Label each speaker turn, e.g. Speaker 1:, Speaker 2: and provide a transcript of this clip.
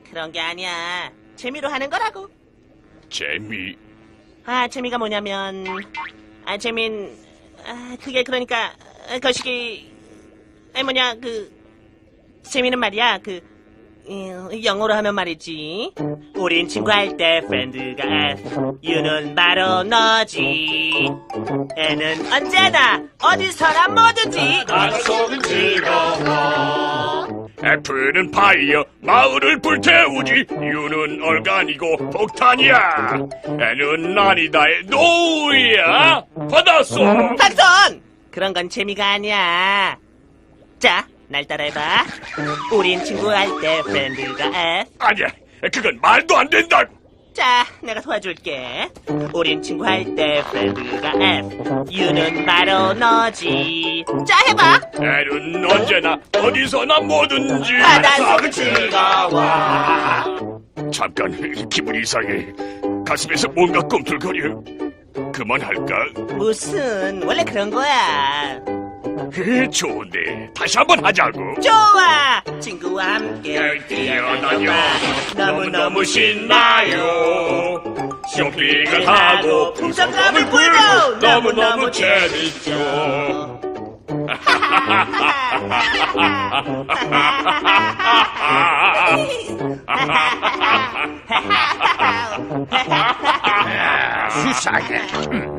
Speaker 1: 그런 게 아니야. 재미로 하는 거라고.
Speaker 2: 재미.
Speaker 1: 재미가 뭐냐면, 그게 그러니까, 거시기, 재미는 말이야, 영어로 하면 말이지. 우린 친구할 때 프렌드가 F, U는 바로 너지. N은 언제나 어디서나 뭐든지
Speaker 2: 속은 즐거워. F는 파이어, 마을을 불태우지. U는 얼간이고 폭탄이야. N은 아니다의 노우야. 받았어.
Speaker 1: 박선! 그런 건 재미가 아니야. 자, 날 따라해봐. 우린 친구할 때 프렌드가 F.
Speaker 2: 아니야, 그건 말도 안 된다고.
Speaker 1: 자, 내가 도와줄게. 우린 친구할 때 프렌드가 F. U는 바로 너지. 자, 해봐.
Speaker 2: N은 언제나 어디서나 뭐든지.
Speaker 1: 바닷속은 즐거워.
Speaker 2: 잠깐 기분이 이상해. 가슴에서 뭔가 꿈틀거려. 그만할까?
Speaker 1: 무슨, 원래 그런 거야.
Speaker 2: 좋은데 다시 한번 하자고.
Speaker 1: 좋아! 친구와 함께
Speaker 2: 뛰어다녀
Speaker 1: 너무너무
Speaker 2: 신나요. 쇼핑을 하고
Speaker 1: 풍선감을 불고
Speaker 2: 너무너무 재밌죠. 수상해.